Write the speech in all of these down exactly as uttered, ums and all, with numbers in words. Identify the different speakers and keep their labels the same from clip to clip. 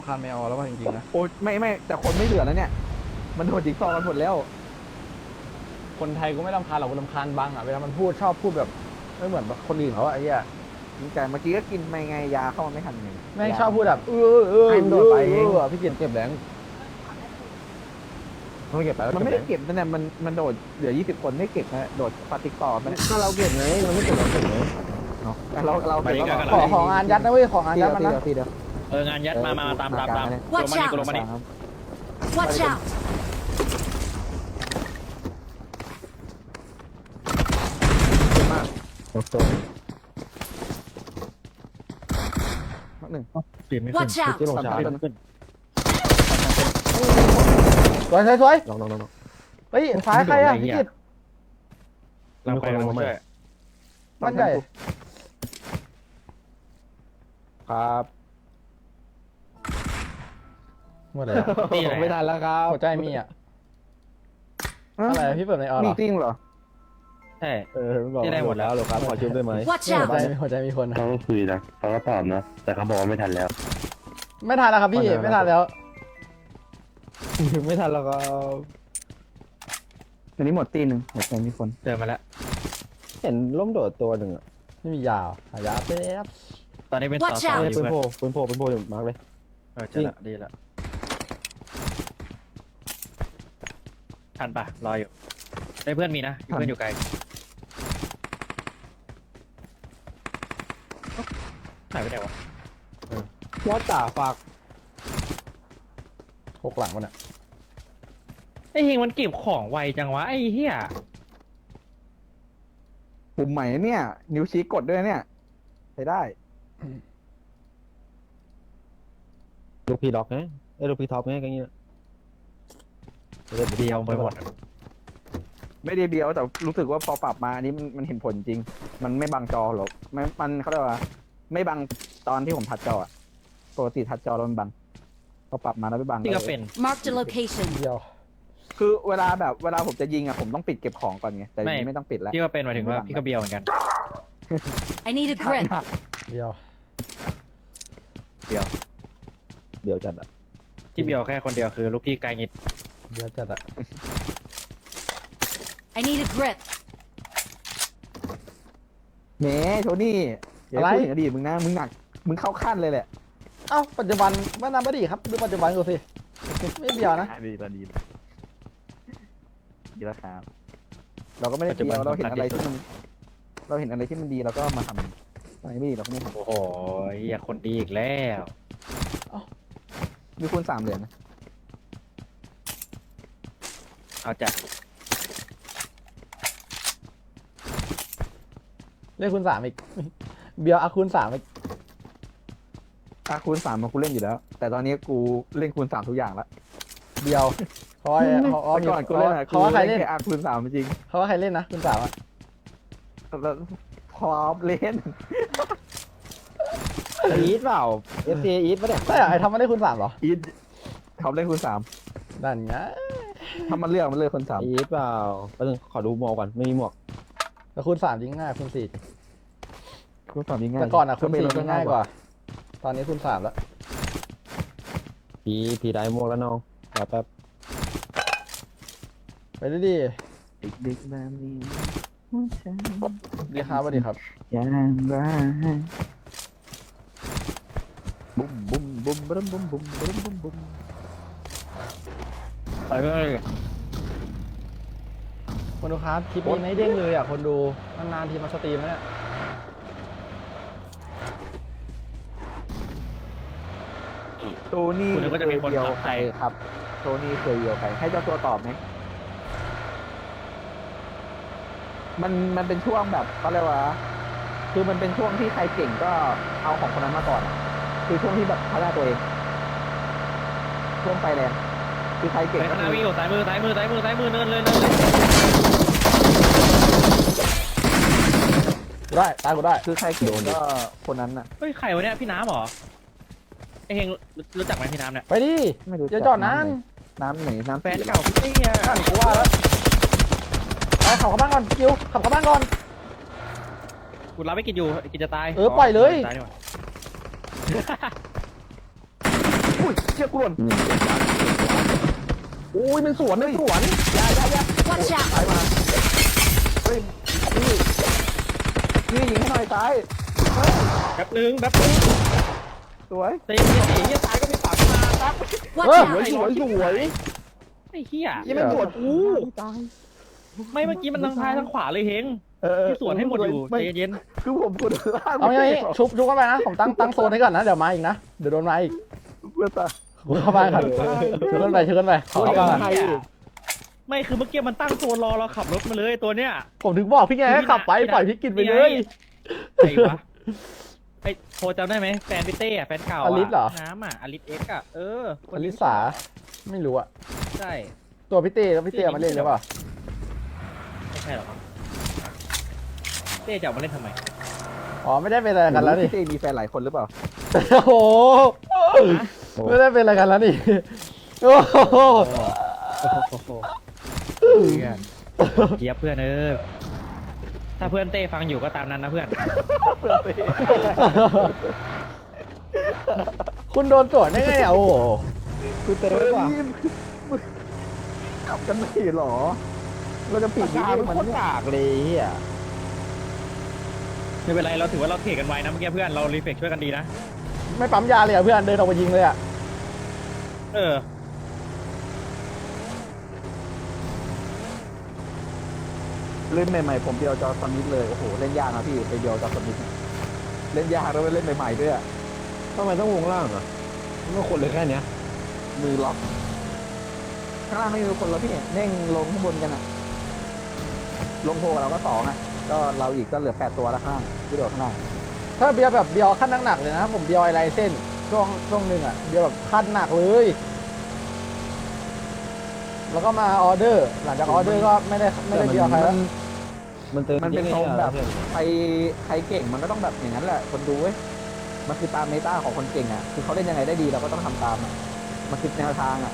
Speaker 1: คานไม่เอาแล้วว่าจริงๆนะ
Speaker 2: โอ้ไม่ไม่แต่คนไม่เหลือแล้วเนี่ยมันโดนจิ๊กซอว์กันหมดแล้ว
Speaker 1: คนไทยกูไม่รำคาญหรอกกูรำคาญบังอ่ะเวลามันพูดชอบพูดแบบไม่เหมือนแบบคนอื่นเขาอะไอ้เหี้ย
Speaker 2: แต่เมื่อกี้ก็กินไม่ไงยาเข้ามาไม่ทันไง
Speaker 1: แม่งชอบพูดแบบเออเออ
Speaker 2: ให้มันโดดไปเอง
Speaker 1: เออพี่เกียรติเก็บแรงไม่เก็บไปแล้ว
Speaker 2: มันไม่ได้เก็บนั่นแหละมันมันโดดเหลือยี่สิบคนไม่เก็บนะโดดปาติกต่อมัน
Speaker 1: ก็เราเก็บไงมันไม่เก็บเราเก็บไง
Speaker 2: เนาะแต่เราเราเก็บแล้ว
Speaker 1: ขอของงานยัดนะเว้ยของงาน
Speaker 2: ที
Speaker 1: ยั
Speaker 2: เดี
Speaker 1: ด
Speaker 2: ยว
Speaker 1: มัน
Speaker 2: ที
Speaker 1: นะ
Speaker 2: เดียวทีเดียว
Speaker 3: เอองานยัดมามาตามตามตามกูลงมานี่กูลงมานี่
Speaker 4: Watch out!
Speaker 2: โอเคหนึ่ง
Speaker 3: ปีนไม่ขึ้น
Speaker 4: Watch out!
Speaker 3: ที่ลงช้าปีนไม่ขึ้น
Speaker 1: สวยสวยสวย
Speaker 2: ลองลองลองลอง
Speaker 1: เฮ้ยซ้ายใครอ่ะพี่กิต
Speaker 3: เราไปเราช่วย
Speaker 1: บ้านใหญ่
Speaker 2: ครับ
Speaker 1: หมดเลย
Speaker 3: นี่ไหน
Speaker 2: ไม่ทันแล้วครับ
Speaker 1: หัวใจมีอ่ะอะไรพี่เปิดในออเหร
Speaker 2: มี
Speaker 1: อ
Speaker 2: จริงเหรอ
Speaker 3: ใช่
Speaker 2: เออบอก
Speaker 3: ที่ได้หมดแล้วหรอครับขอชิมได้ไหม
Speaker 4: Watch
Speaker 1: หัวใจ
Speaker 4: out!
Speaker 1: หัวใจมีคนนะ
Speaker 5: เขาก็คุยนะเขาก็ตอบนะ แต่เขาบอกว่าไม่ทันแล้ว
Speaker 1: ไม่ทันแล้วครับพี่ไม่ทันแล้ว
Speaker 2: ไม่ทันแล้วก็อันนี้หมดตีหนึ่งหมดตีมีคน
Speaker 3: เจอมาแล้ว
Speaker 2: เห็นล้มโดดตัวหนึ่งอ่ะ
Speaker 1: ไม่มียาวหายาแป๊บ
Speaker 3: ตอนนี้เป็นต่อ
Speaker 4: Watch
Speaker 3: ต่อ
Speaker 4: out
Speaker 3: อยู่
Speaker 2: ปืน
Speaker 3: เพื่อน
Speaker 2: โผล่ปืนโผล่ปืนโผล่มาร์กเลย
Speaker 3: เออเจอละดีละทันปะรออยู่ได้เพื่อนมีนะเพื่อนอยู่ไกลหายไปไหนวะ
Speaker 2: ว่าจ่าฝาก
Speaker 1: หกหลังมันอ่ะ
Speaker 3: ไอ้เฮงมันเก็บของไวจังวะไอ้เหี้ย
Speaker 2: ปุ่มใหม่เนี่ย นิ้วชี้กดด้วยเนี่ยใช้ได้
Speaker 6: ลูกพี่ล็อกไงไอ้ยลูกพี่ท็อปไงก็อย่างเงี้ย
Speaker 3: เดียวไปหมด
Speaker 2: ไม่ได้เบียวแต่รู้สึกว่าพอปรับมาอันนี้มันมันเห็นผลจริง มันไม่บังจอหรอกไม่มันเขาเรียกว่า ไม่บังตอนที่ผมทัดจออะปกติทัดจอแล้วมันบังพอปรับมาแล้วไม่บัง
Speaker 3: ที่ก็เป็น
Speaker 4: Marked a location.
Speaker 1: เดียว
Speaker 2: คือเวลาแบบเวลาผมจะยิงอะผมต้องปิดเก็บของก่อนไงแต่นี้ไม่ต้องปิดแล้ว
Speaker 3: ที่ก็เป็นหมายถึงว่าพี่ก็เบียวเหมือนกัน
Speaker 4: I need a grip.
Speaker 1: เดียว
Speaker 6: เดี๋ยวจัดอ่ะ
Speaker 3: ที่เบียวแค่คนเดียวคือลูกพี่ไกลงิด
Speaker 1: เดียวจัดอ่ะ
Speaker 4: I need a grip.
Speaker 2: แหมโทนี่อย่าพูดถึงอดีตมึงนะมึงหนักมึงเข้าขั้นเลยแหละ
Speaker 1: เอ้าปัจจุบันไม่นานไม่ดีครับดูปัจจุบันกูสิไม่เดียวนะ
Speaker 2: ดีตอนดีดีแล้วครับเราก็ไม่ได้เดียวเราเห็นอะไรที่มันเราเห็นอะไรที่มันดีเราก็มาทำอะไรไม่ดีเราก็ไม่ท
Speaker 3: โอ้โหอย่าคนดีอีกแล้ว
Speaker 2: ำมีคูณสามเหรียญนะ
Speaker 3: เอาจัด
Speaker 1: เล่นคูณสามอีกเบียวอาคูณสามอีก
Speaker 2: อ่ะคูณสามมากูเล่นอยู่แล้ว แต่ตอนนี้กูเล่นคูณสามทุกอย่างละ
Speaker 1: เดียวเขาว่าเขา
Speaker 2: แต่ก่อนกูเล่นอะ
Speaker 1: เขาว่าใครเล่น
Speaker 2: แค่อาคูณสามจริง
Speaker 1: เขาว่าใครเล่นนะคูณสามอ่ะ
Speaker 2: แล้วพร้อมเล่น
Speaker 6: อีทเปล่าเอฟซีอีทปะเนี่ย
Speaker 1: ใช่เหรอไอ้ทำมาได้คูณสามเหรอ
Speaker 2: อีทเขาเล่นคูณสาม
Speaker 1: นั่นไง
Speaker 2: ถ้ามันเลือกมันเลือกคูณสาม
Speaker 6: อีทเปล่าแป๊บนึงขอดูหมวกก่อนไม่มีหมวก
Speaker 1: แต่คูณสามยิงง่ายคูณสี่
Speaker 2: คูณสามยิ่งง่าย
Speaker 1: แต่ก่อนอ่ะคูณสี่
Speaker 2: ก็
Speaker 1: ยิ
Speaker 2: เป็
Speaker 1: ง
Speaker 2: น
Speaker 1: ง่ายกว่า ตอนนี้คูณสามแล้ว
Speaker 6: พีพีได้หมวกแล้วน้องรอแป๊บ
Speaker 1: ไปดิดิ
Speaker 2: เด็กๆแบบนี้หัวใจ
Speaker 1: ดีครับสวัสดีครับ
Speaker 2: อย่างไรบุ้มบุ้มบุ้มบุ้มบุ้มบุ้มบุ้มบุ้มบุ้ม
Speaker 3: ไปเพื่อน
Speaker 1: คนดูครับคลิปนี้ไม่เด้งเลยอ่ะคนดูนานๆทีมาสตรีมนะเนี่ย
Speaker 2: โทนี่
Speaker 3: คุณนึกว่าจะมีคน
Speaker 2: เดียว
Speaker 3: ขับ
Speaker 2: ใครครับโทนี่เคยเดียวใครให้เจ้าตัวตอบไหมมันมันเป็นช่วงแบบเขาเรียกว่า คือมันเป็นช่วงที่ใครเก่งก็เอาของคนนั้นมาก่อนอะคือช่วงที่แบบพัฒนาตัวเอง ช่วงไฟแรงคือใครเก่ง
Speaker 3: ไป
Speaker 2: ก็
Speaker 3: ข้างหน้า
Speaker 2: คือ
Speaker 3: วิ่งอยู่ซ้ายมือซ้ายมือซ้ายมือซ้ายมือเนินเลยเนินเลย
Speaker 1: กูได้ตายกูได้
Speaker 2: คือใครเก่งก็คนนั้นน่ะ
Speaker 3: เฮ้ยใครวะเนี่ยพี่น้ำเหรอไอเฮงรู้จักไหมพี่น้ำเนี่ย
Speaker 1: ไปดิ
Speaker 2: ไม่รู้
Speaker 1: อย่าจอดนาน
Speaker 2: น้ำไหนน้ำ
Speaker 3: แฟนเก่าพี่เนี่ย
Speaker 1: นั่นกูว่าแล้วไปขับเข้าบ้านก่อนคิวขับเข้าบ้านก่อน
Speaker 3: กูรับไม่กินอยู่กินจะตาย
Speaker 1: เออปล่อยเลย
Speaker 3: ตายดีกว่า
Speaker 2: อุ้ยชี่ยกูหล่น
Speaker 1: อุ้ยมันสวนมันสวน
Speaker 2: อยาอยาอยา
Speaker 4: Watch out!
Speaker 2: ซ้ายมาเฮ้ยนี่นี่ยิงให้หน่อยซ้ายเฮ้ย
Speaker 3: แป๊บนึงแป๊บนึง
Speaker 2: สวย
Speaker 3: เตะเหี้ยเตะเหี้ยซ้ายก็มีปากขึ้นมาครับ
Speaker 4: Watch
Speaker 1: เออ
Speaker 4: out!
Speaker 1: สวยสวยสวย
Speaker 3: ไอ้เหี้ย
Speaker 1: ยังไม่สวนกู
Speaker 2: ตาย
Speaker 3: ไม่เมื่อกี้มันทั้งซ้ายทั้งขวาเลยเฮง
Speaker 2: เออ
Speaker 3: ที่สวนให้หมดอยู่
Speaker 2: ไม่
Speaker 3: ใจเย็น
Speaker 2: คือผมกดล่าง
Speaker 1: เอาอย่างนี้ชุบชุบเข้าไปนะผมตั้งตั้งโซนให้ก่อนนะเดี๋ยวมาอีกนะเดี๋ยวโดนมาอีก
Speaker 2: เพื่อตา
Speaker 1: ชุบเข้าไปก่อนชุบขึ้นไปชุบขึ้นไปขอเข้าไปก่อน
Speaker 2: ใครอีก
Speaker 3: ไม่คือเมื่อกี้มันตั้งโซนรอเราขับรถมาเลยตัวเนี้ย
Speaker 1: ผมถึงบอกพี่ไงให้ขับไปปล่อยพี่กินไปเลย
Speaker 3: ไอ้วะไอ้โทรจำได้ไหมแฟนพี่เต้อะแฟนเก่าะ
Speaker 1: อลิสเหรอ
Speaker 3: น้ำอะอลิสเอ็กซ์อะเออค
Speaker 1: อน
Speaker 3: นี้
Speaker 1: ลิสาไม่รู้อะ
Speaker 3: ใช่
Speaker 1: ตัวพี่เต้แล้วพี่เต้เอามาเล่นหรือเปล่า
Speaker 3: ไม่ใช่หรอกเต้จะเอามาเล่นทำไม
Speaker 1: อ๋อไม่ได้เป็นอะไรกันแล้วนี่
Speaker 2: พี่เต้มีแฟนหลายคนหรือเปล่า
Speaker 1: โอ้โหไม่ได้เป็นอะไรกันแล้วนี่โอ้โห
Speaker 3: เยียบเพื่อนเออถ้าเพื่อนเต้ฟังอยู่ก็ตามนั้นนะเพื่อน
Speaker 1: คุณโดนสวนได้ไงอ่ะโอ้โห
Speaker 2: คือเต้ว่ะขับกันไม่หรอ เราจะปิดวิดีโอมันเนี่ย
Speaker 6: กากเลยเฮีย
Speaker 3: ไม่เป็นไรเราถือว่าเราเทรดกันไว้นะเมื่อกี้เพื่อนเรารีเฟกช่วยกันดีนะ
Speaker 1: ไม่ปั๊มยาเลยอ่ะเพื่อนเดินออกไปยิงเลยอ่ะ
Speaker 3: เออ
Speaker 2: เล่นใหม่ๆผมเดียวจอสมิธเลยโอ้โหเล่นยากนะพี่ไปเดียวจอสมิธเล่นยากแล้วเล่นใหม่ๆด้วยอะ
Speaker 6: ทำไมต้องวงล่างอ่ะมันก็คนเลยแค่เนี้ย
Speaker 2: มือล็อกข้างล่างไม่มีคนแล้วพี่เน่งลงข้างบนกันอะลงโพกับเราก็สองอะก็เราอีกก็เหลือแปดตัวแล้วข้างที่โดดข้างล่าง
Speaker 1: ถ้าเบียร์แบบเบียร์ขั้นหนักๆเลยนะผมเบียร์ไอไลเส้นช่วงช่วงหนึ่งอ่ะเบียร์แบบขั้นหนักเลยแล้วก็มาออเดอร์ หลังจากออเดอร์ก็ไม่ได้ไม่ได้เบียร์ใครแล้ว
Speaker 6: มันเติม
Speaker 2: มันเป็นทรงแบบ
Speaker 6: เพื่อน
Speaker 2: ใครใครเก่งมันก็ต้องแบบอย่างนั้นแหละคนดูเว้ยมันคือตามเมตาของคนเก่งอะคือเขาเล่นยังไงได้ดีเราก็ต้องทำตามอะมันคือแนวทางอะ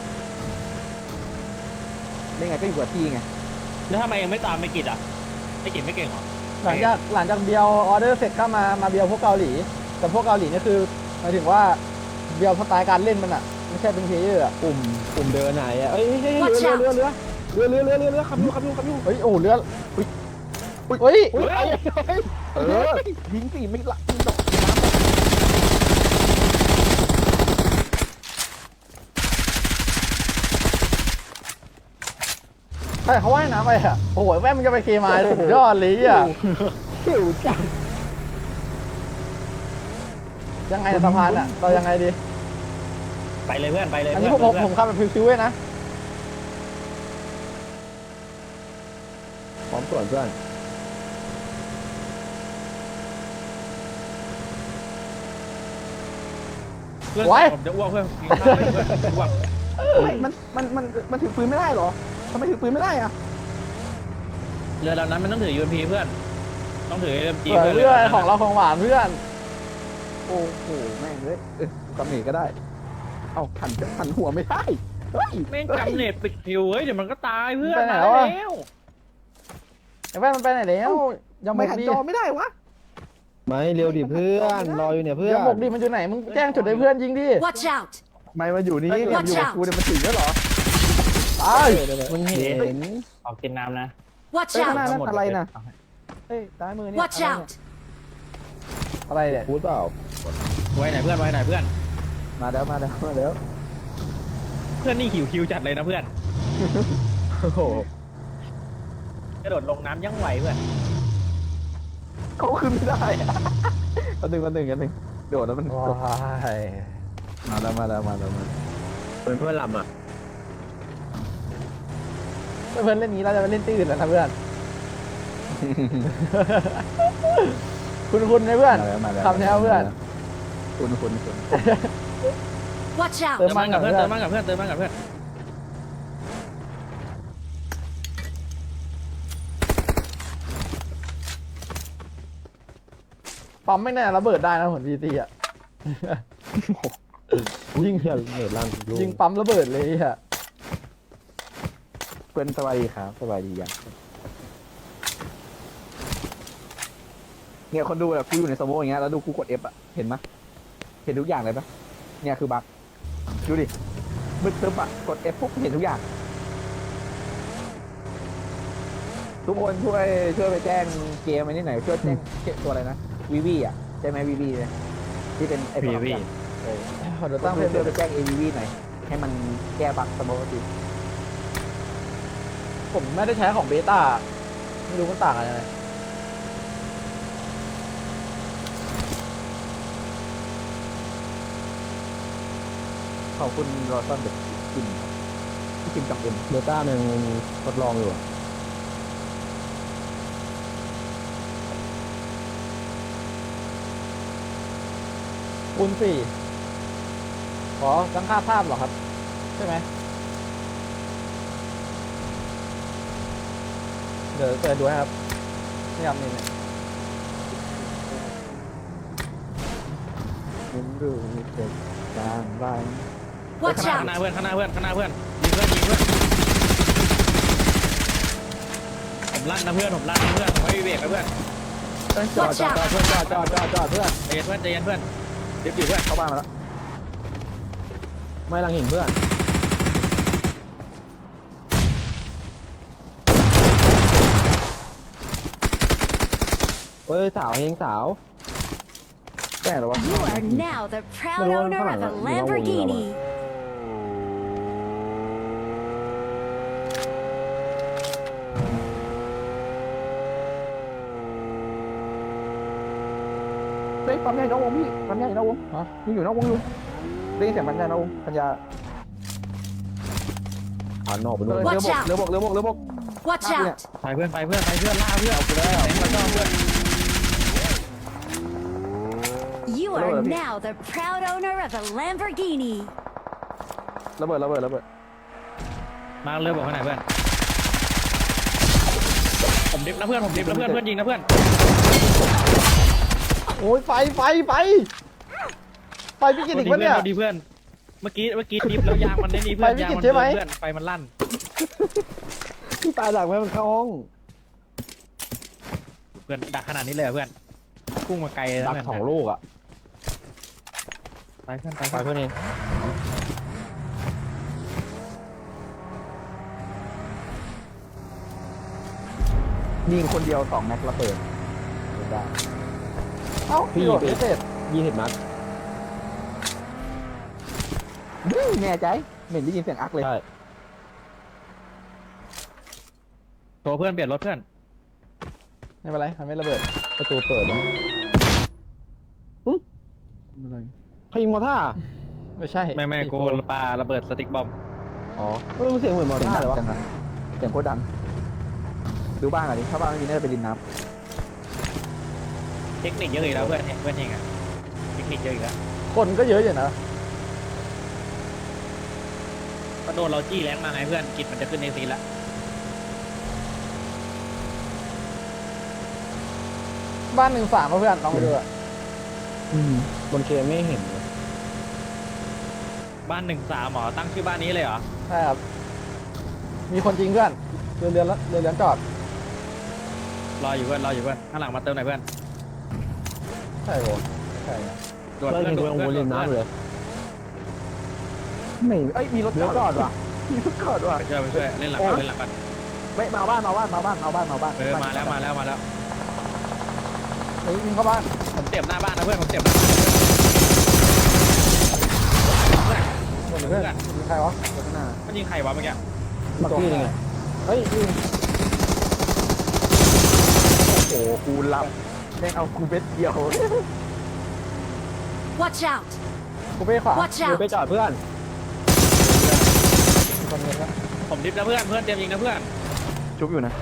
Speaker 2: เล่นไงก็อยู่กับที่ไง
Speaker 3: แล้วทำไมยังไม่ตามไม่กิดอ่ะไม่กิดไม่เก่งเหรอ
Speaker 1: หลังจากหลังจากเบียร์ออเดอร์เสร็จก็มามาเบียร์พวกเกาหลี แต่พวกเกาหลีนี่คือหมายถึงว่าเบียร์สไตล์การเล่นมันอ่ะไม่ใช่เป็นเพลเยอร์อ่ะ
Speaker 6: ปุ่มปุ่มเดินไหนอ่ะเอ้ยเฮ้ย
Speaker 4: Watch
Speaker 6: เรือ
Speaker 4: out
Speaker 6: เรือเรือเรือเรือเรือเรือเรือขับอยู่ขับอยู่ขับอยู่
Speaker 1: เฮ้ยโอ้เรือเฮ้ยเฮ้ย
Speaker 2: เฮ้ยเออยิงสี่ไม่ละยิงดอกน้
Speaker 1: ใครเขาว่ายน้ำไปอ่ะโอ้โหแม่งมันจะไปเคมายสุดยอดเลยอ่ะ
Speaker 2: ำหิวจัง
Speaker 1: ยังไงสะพานอ่ะเรายังไงดี
Speaker 3: ไปเลยเพื่อนไปเลย
Speaker 1: อันนี้ผมผมผมขับแบบฟิวๆเว้ยนะ
Speaker 6: พร้อมส่วนเพื่อน
Speaker 3: เพื่อนผมจะอ้วกเพื่อนกินข้าวไปเพื่อนอ้วก
Speaker 2: ไม่มันมันมันมันถือปืนไม่ได้เหรอทำไมถือปืนไม่ได้อะ
Speaker 3: เรือลำนั้นมันต้องถือ ยู เอ็ม พี เพื่อน ต้องถือ เอ็ม จี
Speaker 1: เผื่อเพื่อนของเราของหวานเพื่อน
Speaker 2: โอ้โหแม่งเลยเออกำเนิดก็ได้ เอาหันหันหัวไม่ได้เฮ้ย
Speaker 3: แม่งกำเนิดปิดผิวเฮ้ยเดี๋ยวมันก็ตายเพื่อน
Speaker 1: ไปไหน
Speaker 3: มา
Speaker 1: แล้ว
Speaker 3: แล้ว
Speaker 1: อะ ไอ้แว่นมันไปไหนแล้วยังหม
Speaker 2: ไม่
Speaker 1: ก
Speaker 2: หัน
Speaker 1: ดี
Speaker 2: จอไม่ได้วะ
Speaker 6: ไม่เร็วดิเพื่อนรออยู่เนี่ยเพื่อน
Speaker 1: ยังหมกดีมันอยู่ไหนมึงแจ้งจุดให้เพื่อนยิงดิ
Speaker 4: Watch out!
Speaker 2: ไม่มาอยู่นี่
Speaker 1: เฮ้ย
Speaker 2: เนี่ยอยู่กับกูเนี่ยมันถึงแล้วเหรอ
Speaker 1: ตาย
Speaker 6: มันเห็น
Speaker 3: ออกกินน้ำนะ
Speaker 4: Watch
Speaker 2: เฮ้ยข้างหน้า
Speaker 4: out!
Speaker 2: นั่นอะไรนะเฮ้ยซ้ายมือเนี่ย
Speaker 4: Watch
Speaker 2: อะไรเนี่ย
Speaker 4: out!
Speaker 1: อะไรเนี่ย
Speaker 6: พูดเปล่า
Speaker 3: ไว้ไหนเพื่อนไว้ไหนเพื่อน
Speaker 2: มาแล้วมาแล้วมาแล้ว
Speaker 3: เพื่อนนี่หิวคิวจัดเลยนะเพื่อน
Speaker 6: โอ้โห
Speaker 3: กระโดดลงน้ำยังไหวเพื่อน
Speaker 2: เขาขึ้นไม่ได้อะอันหนึ่งอันหนึ่งอันหนึ่งโดดแล้วมัน
Speaker 1: ว้าย
Speaker 2: มาแล้วมาแล้วมาแล้วมาแล้ว
Speaker 6: เป็นเพื่อนลำอ่ะ
Speaker 1: เพื่อนเล่นนี้เราจะไปเล่นที่อื่นแล้วนะเพื่อน คุณคุณนะเพื่อน
Speaker 2: มาแล้วมาแล้ว
Speaker 1: คำแนวเพื่อน
Speaker 2: คุณคุณคุณ
Speaker 4: Watch
Speaker 1: เติ
Speaker 4: out!
Speaker 1: ม
Speaker 3: เติมมันกับเพื่อนเติมมันกับเพื่อนเติมมันกับเพื่อน
Speaker 1: ปั๊มไม่แน่ระเบิดได้นะเหมือนพีซีอ่ะ
Speaker 6: ยิงเฮียเหนือล่างลูก
Speaker 1: ยิงปั๊มระเบิดเลยอ่ะ
Speaker 2: เพื่อนสบายดีครับสบายดียังเนี่ยคนดูแบบกูอยู่ในสโมอย่างเงี้ยแล้วดูกูกด F อ่ะเห็นไหมยเห็นทุกอย่างเลยปะเนี่ยคือบั๊กดูดิมืดตึ๊บอะกด F ปุ๊บเห็นทุกอย่าง ทุกคนช่วยช่วยไปแจ้งเกมอันนี้หน่อยช่วยแจ้งตัวอะไรนะวีวีอ่ะใช่ไหมวีวีเลยที่เป็นไอ้ตัว
Speaker 3: วีวี
Speaker 2: เออ
Speaker 1: ขอเดี๋ยว
Speaker 2: ตั้
Speaker 1: ตั้
Speaker 2: ง
Speaker 1: ง
Speaker 2: เพื่
Speaker 1: เพื่
Speaker 2: อ
Speaker 1: อน
Speaker 2: ช่วยไปแจ้ง เอ วี วี หน่อยให้มันแก้บั๊กสมมติ
Speaker 1: ผมไม่ได้ใช้ของเบต้าไม่รู้มันต่างกันยังไง
Speaker 2: ขอบคุณรอต้อนเด็กกินที่กินจังเอ็ม
Speaker 6: เบต้ามันยังทดลองอยู่อะ
Speaker 1: คูณสี่ขอตั้งค่าภาพเหรอครับ ใช่ไหมเดี๋ยวเปิดดูให้ครับนี่ครับนี่เนี่ย
Speaker 2: มึงดูมีเด็กจางบ้าน
Speaker 4: Watch
Speaker 3: ข้างหน้า
Speaker 4: out!
Speaker 3: เพื่อนข้างหน้าเพื่อนข้างหน้าเพื่อนยิงเพื่อนยิงเพื่อนผมลั่นนะเพื่อนผมลั่นนะเพื่อนผมไม่มีเบรกนะเพื่อน
Speaker 2: จอดจอดจอดเพื่อนจอดจอดจอดจอดเพื่อน
Speaker 3: ใจเย็นเพื่อนใจเย็นเพื่อนเดี๋ยวอยู่เพื่อน
Speaker 2: เข้าบ้านมาแล้ว
Speaker 6: ไม่ลังหินเพื่อนเฮ้ยสาวเฮงสาว
Speaker 2: แก้หรอวะ
Speaker 4: You are now the proud
Speaker 6: Pero
Speaker 4: owner
Speaker 6: parang
Speaker 4: of a
Speaker 6: ginawa mo
Speaker 4: Lamborghini.
Speaker 2: เฮ้ยปั๊มใหญ่นอกวงพี่ปั๊มใหญ่นอกวง
Speaker 1: ฮะ
Speaker 2: ยังอยู่นอกวงอยู่ได้ยินเสียงปั๊มใหญ่นอกวงปัญญา
Speaker 6: ผ่านนอกไป
Speaker 2: เรื
Speaker 6: นู่น
Speaker 2: อบกเรือบกเรือบกเรือบก
Speaker 4: Watch
Speaker 2: Ah,
Speaker 4: out!
Speaker 3: ไปเพื่อนไปเพื่อนไปเพื่อนล่าเพื่อนเอาไปแล้วแล้วก็เพื่อน
Speaker 4: You
Speaker 2: Hello,
Speaker 4: are
Speaker 2: Abby.
Speaker 4: now the proud owner of a Lamborghini.
Speaker 2: ระเบิดระเบิดระเบิด
Speaker 3: มาเลยบอกข้างไหนเพื่อนผมดิฟนะเพื่อนผมดิฟนะเพื่อนเพื่อนยิงนะเพื่อน
Speaker 1: โอ้ยไฟไฟไฟไฟพี่กินอีก
Speaker 3: เพื่
Speaker 1: ปะเนี่ย
Speaker 3: ดีเพื่อนเมื่อกี้เมื่อกี้ดิฟแล้วยางมันได้นี่เพื่อน
Speaker 1: ไปไม่
Speaker 3: ยาง
Speaker 1: ติด
Speaker 3: มัน
Speaker 1: ใช่ไหม
Speaker 3: เพื่อนไฟมันลั่น
Speaker 6: ที่ตายหลังแม่มันเข้าห้อง
Speaker 3: เพื่อนดักขนาดนี้เลยเหรอเพื่อนพุ่งมาไกลเลยนะ
Speaker 6: ดัก
Speaker 3: เพื่อน
Speaker 6: สองลูกอ่ะ
Speaker 3: ไปเพื่อนไป
Speaker 6: ไป
Speaker 3: เพื่อน
Speaker 6: เพื่อนเอง
Speaker 2: ยิงคนเดียวสองแม็กระเบิดได้
Speaker 1: เอ้าพี่โดดไม่เสร็จ
Speaker 6: ยี่สิบนัด
Speaker 2: อื้อแน่ใจเหม็นได้ยินเสียงอักเลย
Speaker 6: ใช่
Speaker 3: ตัวเพื่อนเปลี่ยนรถเพื่อน
Speaker 1: ไม่เป็นไรมันไม่ระเบิด
Speaker 6: ประตูเปิดนะใครยิงมอท่า
Speaker 1: ไม่ใช่
Speaker 3: ไม่ไม่โกนปลาระเบิดสติ๊กบอม
Speaker 6: อ๋อเออมันเสียงเหมือนมอ
Speaker 2: เสียง
Speaker 6: ท่า
Speaker 2: ดัง
Speaker 6: เลยวะ
Speaker 2: จังนะเสียงโคตรดังดูบ้านหน่อยดิถ้าบ้านไม่มีน่าจะไปริมน้
Speaker 3: เทคนิคเยอะอีกแล้วเพื่อนเพื่อนเองอะเทคนิคเยอะอีกแล้ว
Speaker 1: คนก็เยอะอยู่นะ
Speaker 3: ก็โดนเราจี้แรงมาไงเพื่อนกิจมันจะขึ้นในซีนละ
Speaker 1: บ้านหนึ่งสามเพื่อนลองไปดูอะ
Speaker 6: บนเคไม่เห็นเลย
Speaker 3: บ้านหนึ่งสามหมอตั้งชื่อบ้านนี้เลยเหรอ
Speaker 1: ใช่ครับมีคนจริงเพื่อนเรือเรือนแล้วเรือเรือนจอด
Speaker 3: รออยู่เพื่อนรออยู่เพื่อนข้างหลังมาเติมหน่อยเพื่อน
Speaker 1: ใช่โหใช่นะ
Speaker 3: ด่วน
Speaker 6: เพื่อน
Speaker 3: เพื่อน
Speaker 6: เห็น
Speaker 3: ด่
Speaker 6: เพื่
Speaker 3: ว
Speaker 6: อน น
Speaker 3: เพื่
Speaker 6: บ
Speaker 3: อน
Speaker 6: นริม
Speaker 3: ด่วน
Speaker 6: น้ำเลย
Speaker 2: ำไม่เอ้ยมีรถ
Speaker 6: เลี้ยวจอดว่ะ
Speaker 2: มีรถจอดว่ะ
Speaker 3: ไปช่วยไปช่วยเล่นหลังก่อนเล่นหลังก่อน
Speaker 2: ไม่มาบ้านมาบ้านมาบ้านมาบ้านมาบ้าน
Speaker 3: เออมาแล้วมาแล้วมาแล้ว
Speaker 1: เฮ้ยวิ่งเข้าบ้าน
Speaker 3: ผมเจ็บหน้าบ้านนะเพื่อนผมเจ็บหน้าบ้าน
Speaker 1: หมดเลยเพื่อนมีใครวะ
Speaker 2: รถข้างหน้า
Speaker 3: มันยิงใครวะเมื่อกี้
Speaker 6: บักกี้ยังไงเฮ้ยยิง
Speaker 2: โอ้โหกูหลับแม่งเอากูเบ็ดเดียว
Speaker 4: Watch out!
Speaker 1: กูเป้ขวา
Speaker 4: Watch
Speaker 6: เดี๋ยว
Speaker 4: out!
Speaker 6: ไปจอดเพื่อน
Speaker 1: มีคนเงินแล้ว
Speaker 3: ผมดิฟนะเพื่อนเพื่อนเตรียมยิงนะเพื่อน
Speaker 2: ชุบอยู่นะ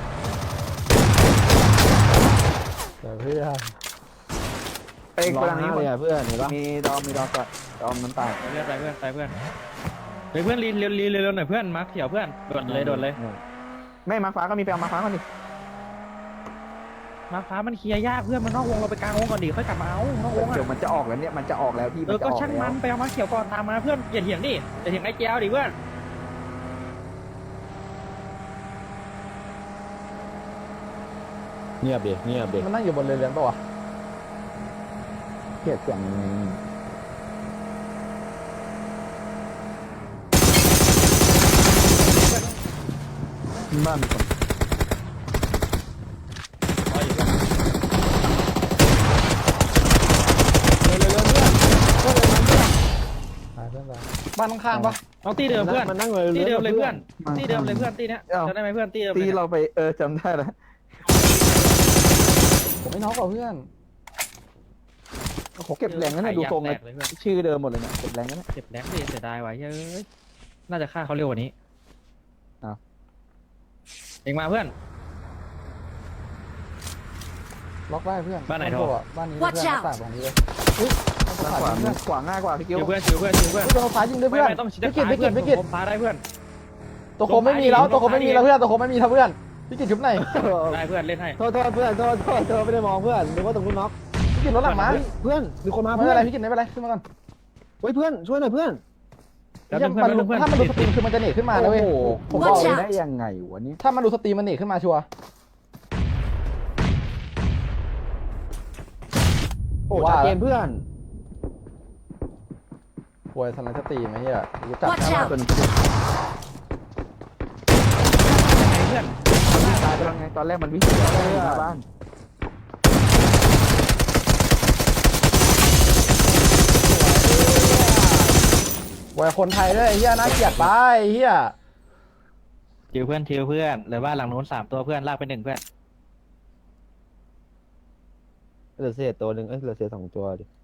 Speaker 1: เดี๋ยวเพื่อน
Speaker 2: เอ้ย
Speaker 6: ร้
Speaker 2: ก
Speaker 6: อง
Speaker 2: ลางนี้
Speaker 6: ไห้เลยอะเพื่อนเห็นปะ
Speaker 2: มีดอมมีดอมก่อนดอมน้ำตาล
Speaker 3: ไปเพื่อนไปเพื่อนไปเพื่อนเฮ้ยเพื่อนรีเร็วรีเร็วหน่อยเพื่อนมาร์คเขียวเพื่อนด่วนเลยด่วนเลย
Speaker 2: ไม่มาฟ้าก็มีไปเอามาฟ้าก่อนดิ
Speaker 3: มาร์คฟ้ามันเคลียร์ยากเพื่อนมันนอกวงเราไปกลางวงก่อนดิค่อยกลับมาเอานอกวง
Speaker 2: เดี๋ยว
Speaker 3: อะ
Speaker 2: มันจะออกแล้วเนี่ยมันจะออกแล้วพี่
Speaker 3: เอ
Speaker 2: มัน
Speaker 3: อ
Speaker 2: จะ
Speaker 3: ก็
Speaker 2: ออก
Speaker 3: ช่าง
Speaker 2: แล้
Speaker 3: มั
Speaker 2: วน
Speaker 3: ไปเอามาร์คเขียวก่อนตามมาเพื่อนอย่าเถียงดิอย่าเถียงไอ้แก้วดิเพื่อน
Speaker 6: เงียบดิเงียบดิ
Speaker 1: มันนั่งอยู่บนเรือเรือนปะวะ
Speaker 2: เกลียดเสียงบ้านมีคน
Speaker 3: อ๋ออยู่
Speaker 1: เร็วเร็วเร็วเพื่อนเพื่อนเลยมันเพื่อนหายเพื่อนไปบ้านข้างๆปะ
Speaker 3: เอาตีเดิมเพื่อน
Speaker 6: มันนั่งเลย
Speaker 3: ตีเดิมเลยเพื่อนตีเดิมเลยเพื่อนตีเนี้ยจำได้ไหมเพื่อนตีเดิม
Speaker 2: ตี
Speaker 3: เลย
Speaker 2: เราไปเออจำได้แล้ว
Speaker 1: ผมไม่น็อกกว่าเพื่อน
Speaker 2: โอ้โหเก็บแรงนั่นนะดูทรง
Speaker 3: แต
Speaker 2: เลย
Speaker 3: กเลยเพื่อน
Speaker 2: ชื่อเดิมหมดเลยเนี่ยเก็บแรงนั่นนะ
Speaker 3: เจ็บแรงดิเสียดายไว้เฮ้ยน่าจะฆ่าเขาเร็วกว่านี้
Speaker 2: อ้าว
Speaker 3: เองมาเพื่อน
Speaker 1: ล็อกได้เพื่อน
Speaker 3: บ้านไหนโทร
Speaker 1: โทรอะบ้านนี้เพื่อน
Speaker 4: Watch
Speaker 1: หน้า
Speaker 4: out
Speaker 1: ต่างตรงนี้เลยเฮ้ยหน้า
Speaker 2: ด้าน
Speaker 1: ต่าง
Speaker 2: ขวา
Speaker 1: เพื่อน
Speaker 2: ขวาง่ายกว่าพี่กิ้ว
Speaker 3: ชิวเพื่อนชิวเพื่อนชิวเพื่อน
Speaker 1: เฮ้ยโดนฟ้ายิงด้วย
Speaker 3: ไม่
Speaker 1: เพื่อน
Speaker 3: ไม่ต้องชิด
Speaker 1: พิกิตพิกิตพิกิต
Speaker 3: ผมพาได้เพื่อน
Speaker 1: ตัวโคมไม่มีแล้วตัวโคมไม่มีแล้วเพื่อนตัวโคมไม่มีแล้วเพื่อนพิกิตชุบไหน
Speaker 3: ได้เพื่อนเล่นให้
Speaker 6: โทษโทษเพื่อนโทษโทษโทษไม่ได้มองเพื่อนนึกว่าตรงนู้นน็อก
Speaker 1: พิกิตรถหลังมา
Speaker 6: เพื่อนมีคนมา
Speaker 1: ไม่
Speaker 6: เพื่
Speaker 1: เป็
Speaker 6: อน น
Speaker 1: ไรพิกิตไม่เป็นไรขึ้นมาก่อน
Speaker 6: เฮ้ยเพื่อนช่วยหน่อยเพื่อน
Speaker 3: แล้ว
Speaker 1: เหี้ย
Speaker 3: เพื่อน
Speaker 1: มัน
Speaker 3: เพื่อน
Speaker 1: ถ้ามันดูสตรีมคือมันจะเนตขึ้นมานะเว้ย
Speaker 2: โอ้โห
Speaker 1: ผมบ
Speaker 2: บอก
Speaker 1: อก
Speaker 2: เล
Speaker 1: เลย ย
Speaker 2: ได้ยังไงวะนี่
Speaker 1: ถ้ามันดูสตรีมมันเนตขึ้นมาชัวร์
Speaker 6: โอ้ชัดเจนเพื่อน
Speaker 1: ป่วยทันไรสตรีมไอ้เหี้ยรู้จัก
Speaker 4: Watch
Speaker 1: นะ
Speaker 4: out
Speaker 2: เป็น
Speaker 3: เพื่อน
Speaker 2: ตายไปแล้วไงตอนแรกมันวิ่งหน้าบ้าน
Speaker 1: ป่วยคนไทยด้วยไอ้เหี้ยน่าเกลียดไปไอ้เหี้ย
Speaker 3: ชิวเพื่อนชิวเพื่อนเหลือบ้านหลังนู้นสามตัวเพื่อนลากไปหนึ่งเพื่อน
Speaker 6: เหลือเศษตัวหนึ่งเอ้ยเหลือเศษสองตัวดิ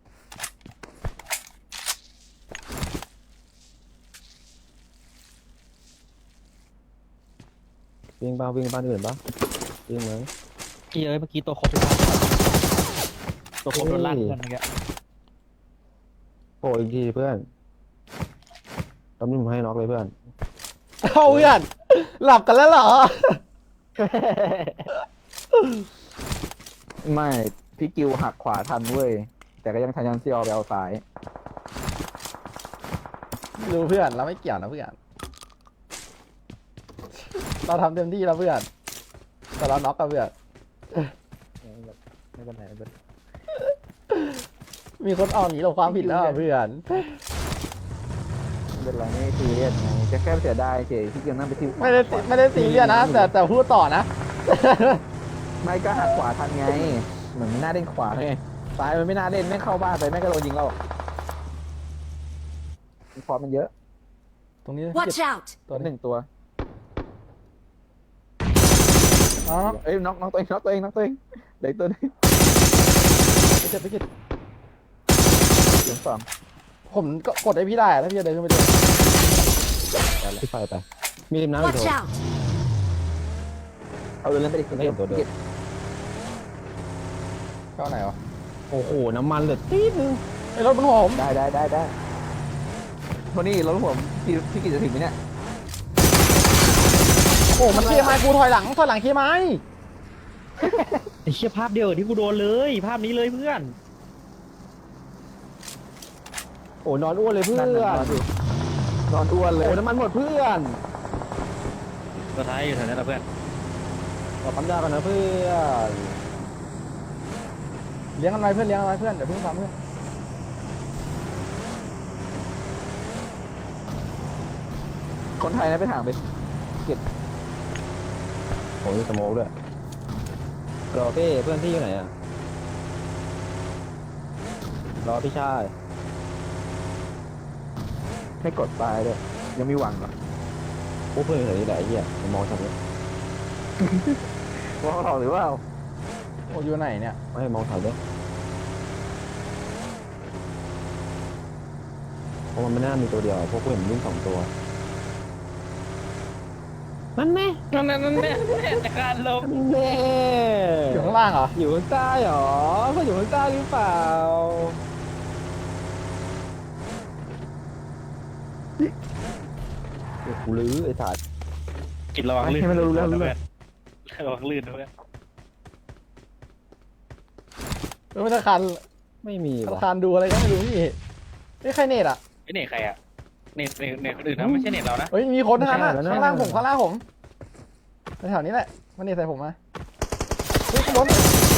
Speaker 6: วิ่งบ้าวิ่งบ้านอื่นปะวิ่งไหม
Speaker 3: กี่เอ้ยเมื่อกี้ตัวครบทุกคนตัวครบโดนลากเพื่อนเมื่อกี้
Speaker 6: โผล่อีกทีเพื่อนตำรวจให้น็อกเลยเพื่อน
Speaker 1: เอาเพื่อนหลับกันแล้วเหรอ
Speaker 2: ไม่พี่กิวหักขวาทันเว้ยแต่ก็ยังทันยันซีออไปเอาซ้าย
Speaker 1: ดูเพื่อนเราไม่เกี่ยวนะเพื่อนเราทำเต็มที่แล้วเพื่อนแต่เราน็อกกับเพื่อน
Speaker 2: ไม่เป็นไรไม่เป็นไร
Speaker 1: มีคนออกหนีเราความผิดแล้วอะเพื่อน
Speaker 2: ไม่เป็นไรไม่ซีเรียสไงจะแค่เสียดายเฉยพี่กิวนั่งไปที่
Speaker 1: ไม่ได้ไม่ได้ซีเรียสนะ แต่แต่พูดต่อนะ
Speaker 2: ไม่ก็หักขวาทันไงเหมือนไม่น่าเล่นขวาไงซ้ายมันไม่น่าเล่นไม่เข้าบ้านไปแม่งก็โดนยิงเราฟอร์มมันเยอะ
Speaker 1: ตรงนี้
Speaker 4: Watch out!
Speaker 1: ตัว
Speaker 2: ห
Speaker 1: หนึ่ง
Speaker 2: นึ่งตัว
Speaker 1: อ๋อ
Speaker 2: เอ้ยน็อกน็อกตัวเองน็อกตัวเองน็อกตัวเองเหลืออกตัวหนึง
Speaker 1: ไปเจ็บไปเจ็บ
Speaker 2: เหลือสอง
Speaker 1: ผมก็กดให้พี่ได้อะถ้าพี่จะเดินขึ้นไปดู
Speaker 6: ที่ไฟไปมีริมน้ำอีก
Speaker 4: Watch
Speaker 6: ตัว
Speaker 4: out!
Speaker 2: เอาเรื่องไปดิ
Speaker 6: ไม่เห็นตัวเดิม
Speaker 2: ก็บ
Speaker 1: เข้าไหนวะ
Speaker 6: โอ้โหน้ำมันเหลือตีดนึง
Speaker 1: ไอ้รถมันหัวผม
Speaker 2: ได้ได้ได้ได้โทนี่รถผมพี่พี่กิจจะถึงไหมเนี่ย
Speaker 1: โอ้มันเคลียร์ไม้กูถอยหลังถอยหลังเคลียร์ไม้
Speaker 3: ไอ้เชี่ยภาพเดียวกับที่กูโดนเลยภาพนี้เลยเพื่อน
Speaker 6: โอ้นอนอ้วนเลยเพื่อน
Speaker 2: นั่นน่ะนอนอยู่นอนอ้วนเลย
Speaker 6: โอ้น้ำมันหมดเพื่อน
Speaker 3: ตัวท้ายอยู่แถวนั้นแหละเพื่อน
Speaker 6: ขอปั๊มยากันนะเพื่อน
Speaker 1: เลี้ยงกันไว้เพื่อนเลี้ยงกันไว้เพื่อนเดี๋ยวเพิ่งซ้ำเพื่อน
Speaker 2: คนไทยนะไปถามไป
Speaker 6: โอ้ยสโมกด้วยรอพี่เพื่อนพี่อยู่ไหนอ่ะรอพี่ชาย
Speaker 2: ไม่กดตายเลยยังมีหวังเหรอ
Speaker 6: พวกเพื่อนอยู่ไหนนี่แหละไอ้เหี้ยมันมองฉันเลย
Speaker 2: ว่าเขาหรือว่า
Speaker 1: โอ้อยู่ไหนเนี่ย
Speaker 6: ไม่ให้มองถ่ายด้วยเพราะมันไม่น่ามีตัวเดียวพวกกูเห็นวิ่งสองตัวมันแน่
Speaker 3: นั่นนั่นนั่นเนี่ยแต่การลง
Speaker 6: แน่
Speaker 1: อยู่ข้างล่างเหรอ
Speaker 6: อยู่ข้างใต้เหรอเขาอยู่ข้างใต้หรือเปล่าเดี๋ยวกูลื้อไอ้ถาด
Speaker 3: กินระวังลื่น
Speaker 2: ให้มันรู้เรื่องรู้เรื่อง
Speaker 3: ระวังลื่นด้วย
Speaker 1: เออไม่ธนาคาร
Speaker 6: ไม่มี
Speaker 1: ธนา
Speaker 6: ว่ะ
Speaker 1: คารดูอะไรก็ไม่รู้พี่นี่ใครเน็ตอ่ะ
Speaker 3: ไอ้เน็ตใครอะเน็ตเน็ตเน็ตคนอื่นนะไม่ใช่เน็ตเรานะ
Speaker 1: เฮ้ยมีคนทางนั้นอะข้างล่างผมข้างล่างผมแถวนี้แหละมันเน็ตใส่ผมมาเฮ้ยข้างบน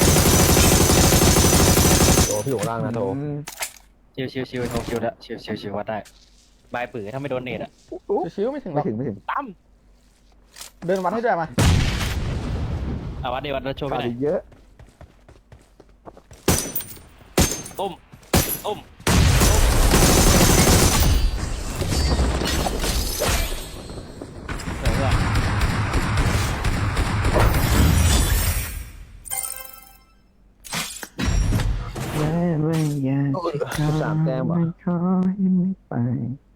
Speaker 6: โตพี่อยู่ข้างล่างนะโต
Speaker 2: อืม
Speaker 3: ชิวชิวชิวโทรชิวละชิวชิวชิววัดได้บายปือถ้าไม่โดนเน็ตอะ
Speaker 1: ชิวๆไม่ถึงหร
Speaker 2: ไม่
Speaker 1: อก
Speaker 2: ถึงไม่ถึง
Speaker 3: ตั้ม
Speaker 1: เดินวัดให้ด้วยมา
Speaker 3: เอาวัดเดี๋ยววัดแล้วโชว์ไป
Speaker 2: ขาด
Speaker 3: ไหน
Speaker 2: อีกเยอะ
Speaker 3: ตุ้มตุ้มสวยว่ะ
Speaker 2: แม่ไม่อยาก
Speaker 6: สามแต้มเหรอ
Speaker 2: ขอให้ไม่ไป